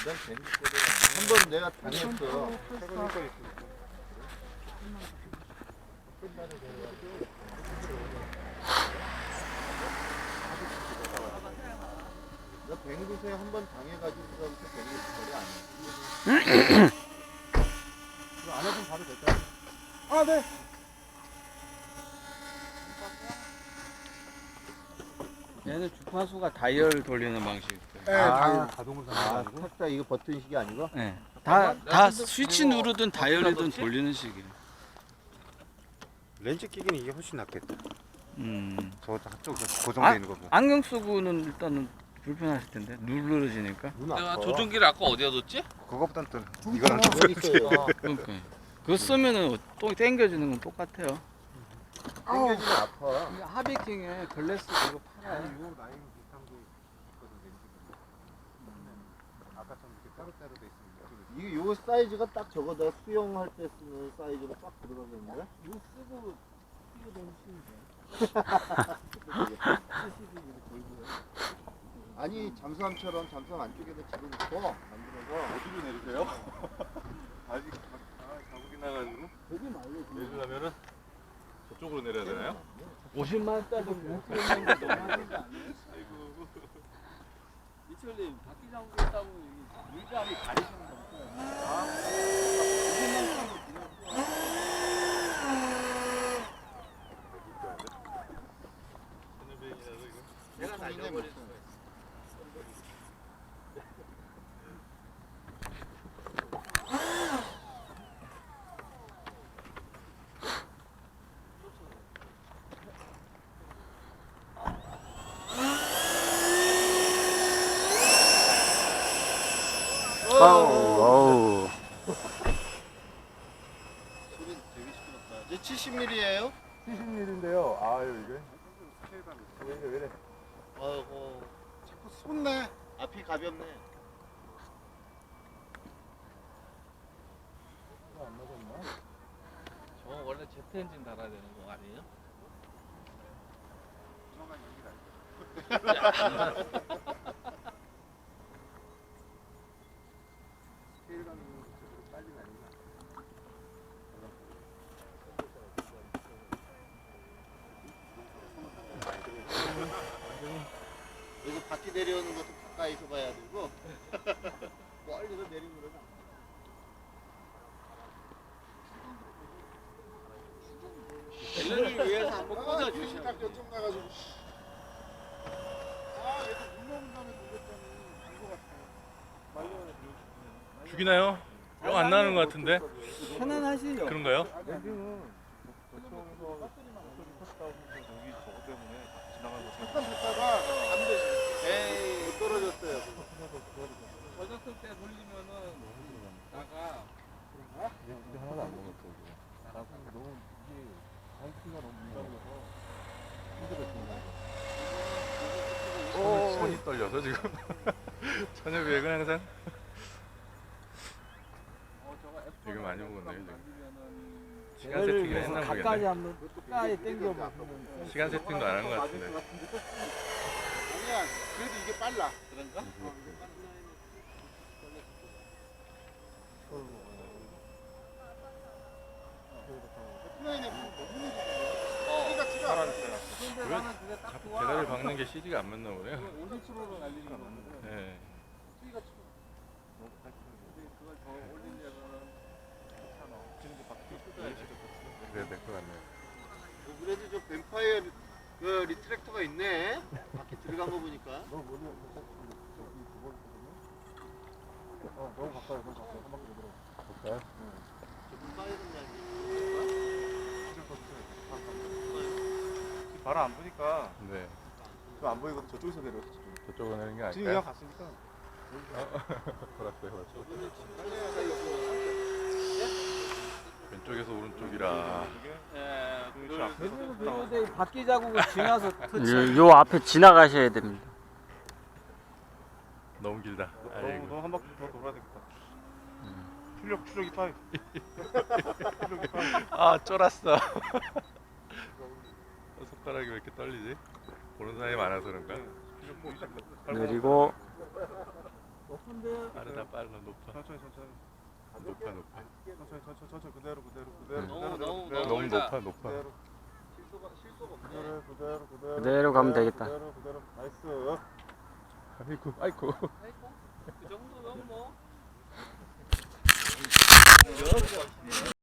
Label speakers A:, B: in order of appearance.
A: 난 뱅구 거를 한번 내가 당했어. 나 뱅구새 한번 당해가지고서부터 뱅구 거리 안 해. 그럼 안 해도 바로 될까요?
B: 아, 네.
C: 얘는 주파수가 다이얼 돌리는 방식.
B: 네,
A: 아,
B: 자동으로
A: 아, 탁자 이거 버튼식이 아니고?
C: 네. 다 스위치 누르든 다이얼이든 돌리는 식이에요.
B: 렌즈 끼기는 이게 훨씬 낫겠다. 저 한쪽 고정되어 있는 거고.
C: 안경 쓰고는 일단은 불편하실 텐데 누르러지니까.
A: 눈
D: 내가
A: 아파.
D: 조종기를 아까 어디다 뒀지?
B: 그거보단 또 이거랑 좀
A: 여기 있어요.
C: 그러니까 그거 쓰면은 또 당겨지는 건 똑같아요.
A: 당겨지면 아파.
C: 하비킹에 글래스 그거 팔아요.
B: 요 라인 비슷한 게 있거든, 렌즈가. 아까처럼 이렇게 따로따로 돼 있으면
A: 이게 요 사이즈가 딱 저거다. 수영할 때 쓰는 사이즈로 딱 들어가겠는데?
C: 이거 쓰고 뛰어다니시는데.
A: 아니 잠수함처럼 잠수함 안쪽에다 집어넣고 만들어서
E: 어디로 내리세요? 아직 자국이 나가지고
C: 거기 말고
E: 내리려면은 저쪽으로 내려야 되나요?
C: 50만 원짜리 목표는 너무 하는 거 아니에요?
E: 아이고
C: 이철님 바퀴 장구 있다고 물감이 가리시는 거 없어요? 50만 원짜리
E: 천연비행이라서 이거
C: 내가 날려버릴 수 있어요.
B: 어우.
A: 소리 되게 시끄럽다. 이제 70mm예요?
B: 70mm인데요. 아유, 이게. 왜 이래?
A: 아이고 자꾸 솟네. 앞이 가볍네.
B: 안 맞았나?
D: 저 원래 제트 엔진 달아야 되는 거 아니에요?
B: 스케일 가는 쪽으로 빨리 가니까.
A: 여기서 바퀴 내려오는 것도 가까이서 봐야 되고 멀리서 내리는 거는
D: 앨런을 위해서 한번 꽂아주시면
A: 딱 요점 나가지고 아 얘도 물러온 다음에 놀랬더니 안것 같아.
E: 죽이나요? 영 안 나는 것 같은데
C: 편안하시죠?
E: 그런가요?
A: 잠깐 듣다가 안 되지. 에이 못 떨어졌어요.
D: 젖었을 때 돌리면은 나가
B: 우리 하나도 안 먹었어, 이거. 나도 너무 이게 바이크가 너무 민감해서 힘들었어.
E: 손이 떨려서 지금 천연비행은 항상 되게 많이 먹었네요 지금 시간 세팅을 했나
C: 가까이
E: 모르겠네
C: 한번 가까이 당겨보면
E: 시간 세팅도 안 한 것 같은데
A: 아니야 그래도 이게 빨라.
D: 그런가?
A: 플라이네 너무 느리잖아. 소리가 치가 않아.
C: 근데 나는 그게 딱 좋아.
E: 배달을 박는 게 CD가 안 맞나 보네요
C: 50%로 날리는 거 맞는데
E: 네.
C: 수위가 치고 그걸 더 올리려면 괜찮아. 지금도 바퀴
E: 그래야 될 것 같네요
A: 그래도 저 뱀파이어 그 리트랙터가 있네. 바퀴 들어간 거 보니까.
B: 너무 멀리 너무 가까이 한 바퀴 들어. 볼까요?
A: 저 뱀파이어는 말이야.
B: 바로 안 보니까
E: 네
B: 안 보이거든. 저쪽에서 내려왔어.
E: 저쪽으로 내는 게
B: 지금
E: 아닐까요?
B: 그냥 갔으니까.
E: 돌았어요 맞죠?
A: 빨리
E: 왼쪽에서 오른쪽이라
C: 대부분 그런데 바퀴 자국을 지나서
F: 요 앞에 지나가셔야 됩니다.
E: 너무 길다 아이고
B: 너무 한 바퀴 더 돌아야 되겠다. 출력이 빠이.
E: 아 쫄았어 손가락이 왜 이렇게 떨리지? 보는 사람이 많아서 그런가?
F: 내리고
E: 빠르다 빨라 높아.
B: 천천히
E: 높아 높아.
B: 천천히 그대로
E: 너무 높아 높아.
F: 그대로 가면 되겠다.
B: 나이스.
E: 아이고.
D: 그 정도면 뭐.